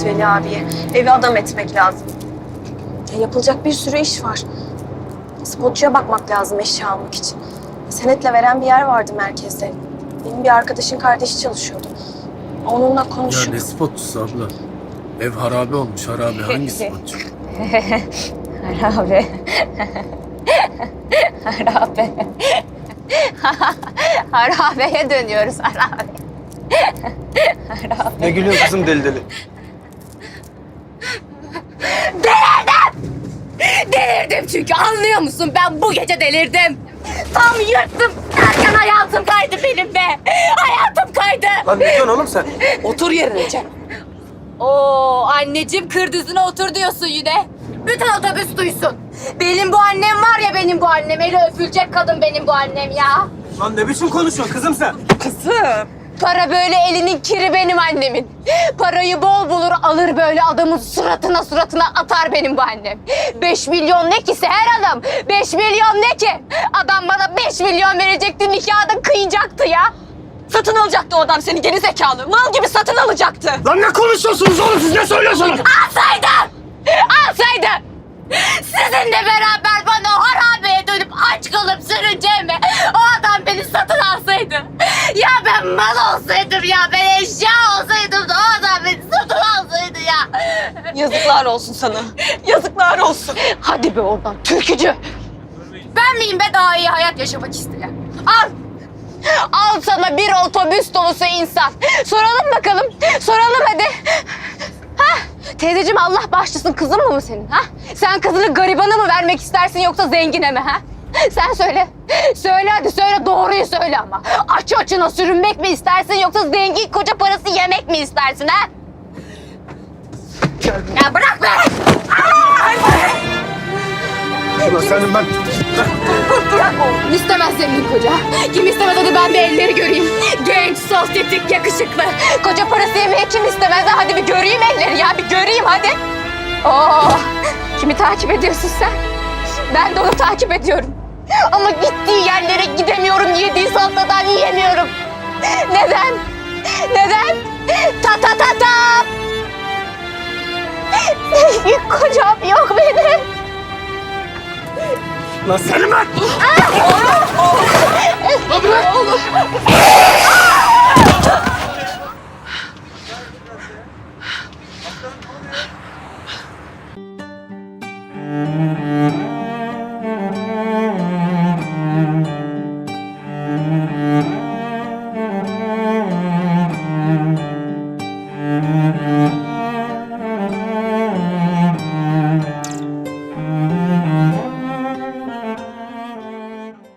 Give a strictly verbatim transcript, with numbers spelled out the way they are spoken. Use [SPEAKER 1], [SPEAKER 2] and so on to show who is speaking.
[SPEAKER 1] Veli abiye. Evi adam etmek lazım. Ya yapılacak bir sürü iş var. Spotçuya bakmak lazım eşya almak için. Senetle veren bir yer vardı merkezde. Benim bir arkadaşın kardeşi çalışıyordu. Onunla
[SPEAKER 2] Ya
[SPEAKER 1] konuşup...
[SPEAKER 2] ne spotçusu abla? Ev harabe olmuş harabe. Hangi spotçu?
[SPEAKER 3] Harabe. Harabe. Harabeye dönüyoruz harabe. Harabe.
[SPEAKER 4] Ne gülüyorsun kızım deli deli?
[SPEAKER 3] Delirdim! Delirdim çünkü anlıyor musun? Ben bu gece delirdim. Tam yırttım. Derken hayatım kaydı benim be. Hayatım kaydı.
[SPEAKER 4] Lan ne diyorsun oğlum sen?
[SPEAKER 3] Otur yerine Cem. Oo anneciğim kır düzüne otur diyorsun yine. Bütün otobüs duysun. Benim bu annem var ya benim bu annem. Eli öpülecek kadın benim bu annem ya.
[SPEAKER 4] Lan ne biçim konuşuyorsun kızım sen?
[SPEAKER 3] Kızım. Para böyle elinin kiri benim annemin. Parayı bol bulur alır böyle adamın suratına suratına atar benim bu annem. Beş milyon ne ki her adam? Beş milyon ne ki? Adam bana beş milyon verecekti nikahda kıyacaktı ya.
[SPEAKER 1] Satın alacaktı o adam seni geri zekalı. Mal gibi satın alacaktı.
[SPEAKER 4] Lan ne konuşuyorsunuz oğlum siz ne söylüyorsunuz?
[SPEAKER 3] Alsaydı! Alsaydı! Sizinle beraber bana o harabeye dönüp aç kalıp sürüneceğime o adam beni satın alsaydı. Ya ben mal olsaydım ya ben eşya olsaydım da o adam beni satın alsaydı ya.
[SPEAKER 1] Yazıklar olsun sana. Yazıklar olsun.
[SPEAKER 3] Hadi be oradan türkücü. Ben miyim be daha iyi hayat yaşamak isteyen? Al. Al sana bir otobüs dolusu insan. Soralım bakalım. Soralım hadi. Ha? Teyzeciğim Allah bağışlasın kızın mı mı senin? Ha? Sen kızını garibana mı vermek istersin yoksa zengine mi? Ha? Sen söyle. Söyle hadi söyle doğruyu söyle ama. Aç açına sürünmek mi istersin yoksa zengin koca parası yemek mi istersin ha? Ya bırak be!
[SPEAKER 4] Ulan senin ben...
[SPEAKER 3] Bırak oğlum. İstemez zengin koca. Kim istemez hadi ben bir elleri göreyim. Genç, sosyetik, yakışıklı. Koca parası yemeye kim istemez? Hadi bir göreyim elleri ya. Bir göreyim hadi. Oo, kimi takip ediyorsun sen? Ben de onu takip ediyorum. Ama gittiği yerlere gidemiyorum. Yediği salatadan yiyemiyorum. Neden? Neden? Ta ta ta ta. Zengin kocam yok benim.
[SPEAKER 4] Lan senin ben...
[SPEAKER 3] Lan bırak oğlum.
[SPEAKER 4] Lan